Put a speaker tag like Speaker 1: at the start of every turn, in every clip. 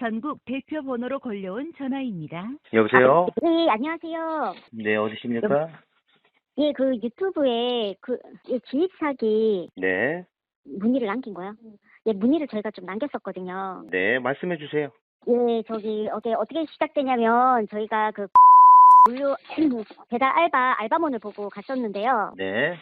Speaker 1: 전국 대표 번호로 걸려온 전화입니다.
Speaker 2: 여보세요?
Speaker 3: 네, 안녕하세요.
Speaker 2: 네, 어디십니까?
Speaker 3: 예, 그 유튜브에 지입 사기
Speaker 2: 네,
Speaker 3: 문의를 남긴 거요. 예, 문의를 저희가 좀 남겼었거든요.
Speaker 2: 네, 말씀해 주세요.
Speaker 3: 예, 저기 어떻게 시작되냐면 저희가 그 물류 배달 알바몬을 보고 갔었는데요.
Speaker 2: 네,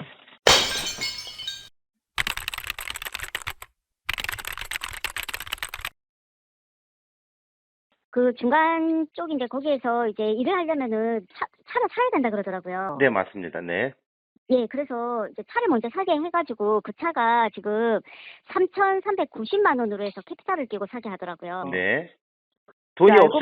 Speaker 3: 그 중간 쪽인데 거기에서 이제 일을 하려면은 차를 사야 된다 그러더라고요.
Speaker 2: 네, 맞습니다. 네,
Speaker 3: 예, 그래서 이제 차를 먼저 사게 해가지고 그 차가 지금 3,390만 원으로 해서 캐피탈을 끼고 사게 하더라고요.
Speaker 2: 네. 돈이
Speaker 3: 알고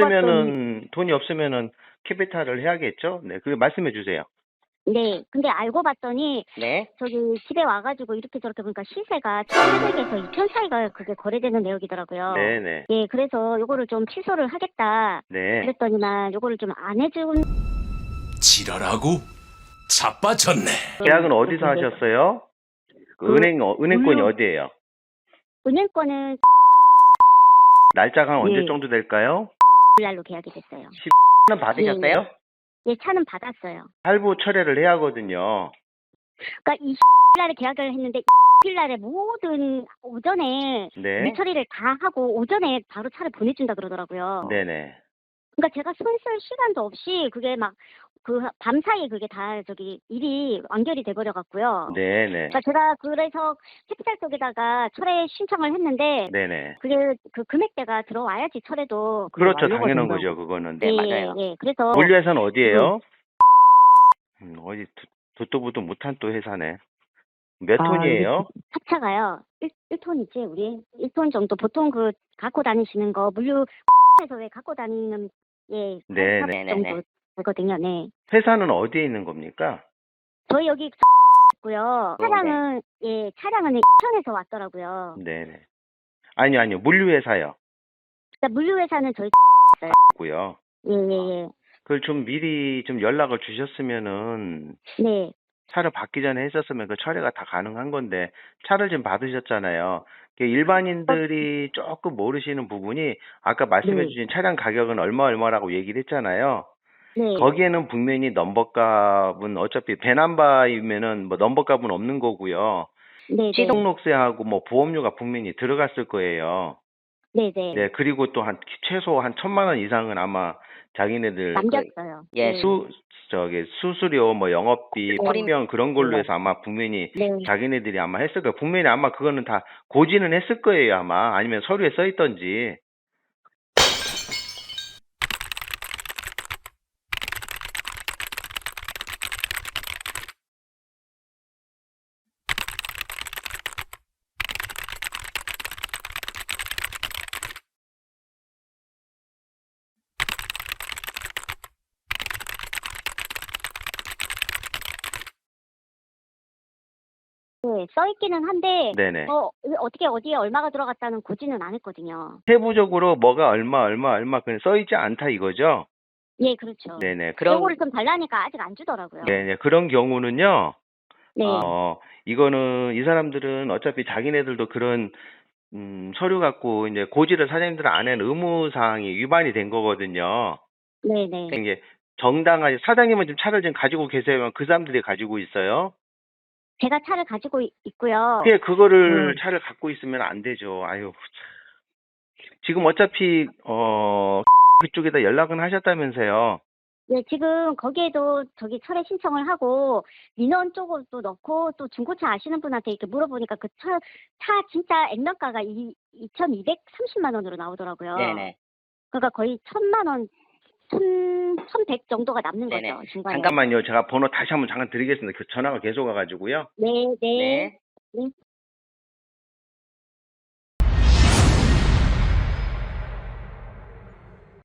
Speaker 2: 없으면은 캐피탈을 해야겠죠? 네, 그 말씀해 주세요.
Speaker 3: 네, 근데 알고 봤더니
Speaker 2: 네,
Speaker 3: 저기 집에 와가지고 이렇게 저렇게 보니까 시세가 1,800에서 2,000 사이가 그게 거래되는 내역이더라고요.
Speaker 2: 네, 네,
Speaker 3: 예, 그래서 요거를 좀 취소를 하겠다.
Speaker 2: 네.
Speaker 3: 그랬더니만 요거를 좀 안 해준.
Speaker 4: 지랄하고 자빠졌네.
Speaker 2: 계약은 어디서 하셨어요? 그 은행권이 어디예요?
Speaker 3: 은행권은
Speaker 2: 날짜가 한 언제
Speaker 3: 예.
Speaker 2: 정도 될까요?
Speaker 3: 날로 계약이 됐어요.
Speaker 2: 는 받으셨어요?
Speaker 3: 예, 차는 받았어요.
Speaker 2: 할부 철회를 해야 하거든요.
Speaker 3: 그러니까 이 날에 계약을 했는데 날에 모든 오전에
Speaker 2: 네,
Speaker 3: 일 처리를 다 하고 오전에 바로 차를 보내준다 그러더라고요.
Speaker 2: 네네.
Speaker 3: 그러니까 제가 손 쓸 시간도 없이 그게 막 그 밤 사이에 그게 다 저기 일이 완결이 돼버려 갖고요.
Speaker 2: 네네.
Speaker 3: 그러니까 제가 그래서 캐피탈 쪽에다가 철회 신청을 했는데
Speaker 2: 네네.
Speaker 3: 그게 그 금액대가 들어와야지 철회도 그게
Speaker 2: 그렇죠.
Speaker 3: 완료가
Speaker 2: 당연한
Speaker 3: 된다고.
Speaker 2: 거죠. 그거는.
Speaker 3: 예,
Speaker 2: 네, 맞아요.
Speaker 3: 예. 그래서
Speaker 2: 물류회사는 어디예요? 어디 듣도 보도 못한 또 회사네. 몇 톤이에요?
Speaker 3: 합차가요. 1톤이지 우리 1톤 정도 보통 그 갖고 다니시는 거 물류에서 왜 갖고 다니는 예,
Speaker 2: 네,
Speaker 3: 8
Speaker 2: 네,
Speaker 3: 정도 되거든요. 네.
Speaker 2: 회사는 어디에 있는 겁니까?
Speaker 3: 저희 여기 있고요. 차량은 예, 차량은 천에서 왔더라고요.
Speaker 2: 네네. 아니요. 물류회사요.
Speaker 3: 그러니까 물류회사는 저희
Speaker 2: 고요.
Speaker 3: 예, 예,
Speaker 2: 그걸 좀 미리 좀 연락을 주셨으면은
Speaker 3: 예. 네.
Speaker 2: 차를 받기 전에 했었으면 그 처리가 다 가능한 건데 차를 지금 받으셨잖아요. 일반인들이 조금 모르시는 부분이 아까 말씀해
Speaker 3: 네.
Speaker 2: 주신 차량 가격은 얼마라고 얘기를 했잖아요.
Speaker 3: 네.
Speaker 2: 거기에는 분명히 넘버값은 어차피 배남바이면은 뭐 넘버값은 없는 거고요.
Speaker 3: 네,
Speaker 2: 시동록세하고 뭐 보험료가 분명히 들어갔을 거예요.
Speaker 3: 네, 네.
Speaker 2: 네, 그리고 또 최소 한 1,000만 원 이상은 아마 자기네들
Speaker 3: 남겼어요.
Speaker 2: 예,
Speaker 3: 네.
Speaker 2: 수수료 뭐 영업비, 파병 그런 걸로 해서 아마 분명히
Speaker 3: 네.
Speaker 2: 자기네들이 아마 했을 거예요. 분명히 아마 그거는 다 고지는 했을 거예요, 아마. 아니면 서류에 써 있던지.
Speaker 3: 네, 써 있기는 한데
Speaker 2: 네네.
Speaker 3: 어떻게 어디에 얼마가 들어갔다는 고지는 안 했거든요.
Speaker 2: 세부적으로 뭐가 얼마 그냥 써 있지 않다 이거죠?
Speaker 3: 예, 그렇죠.
Speaker 2: 네네.
Speaker 3: 요거를 좀 달라니까 아직 안 주더라고요.
Speaker 2: 네네. 그런 경우는요.
Speaker 3: 네.
Speaker 2: 이거는 이 사람들은 어차피 자기네들도 그런 서류 갖고 이제 고지를 사장님들 안 한 의무 사항이 위반이 된 거거든요.
Speaker 3: 네, 네.
Speaker 2: 이게 정당하게 사장님은 지금 차를 지금 가지고 계세요? 그 사람들이 가지고 있어요?
Speaker 3: 제가 차를 가지고 있고요.
Speaker 2: 그거를 차를 갖고 있으면 안 되죠. 아유, 참. 지금 어차피 그쪽에다 연락은 하셨다면서요.
Speaker 3: 네, 지금 거기에도 저기 철회 신청을 하고 민원 쪽으로도 넣고 또 중고차 아시는 분한테 이렇게 물어보니까 그 차 진짜 액면가가 2,230만 원으로 나오더라고요.
Speaker 5: 네네.
Speaker 3: 그러니까 거의 1,000만 원, 1,100 정도가 남는
Speaker 5: 네네.
Speaker 3: 거죠, 중간에.
Speaker 2: 잠깐만요. 제가 번호 다시 한번 잠깐 드리겠습니다. 그 전화가 계속 와가지고요.
Speaker 3: 네, 네.
Speaker 5: 네.
Speaker 3: 네.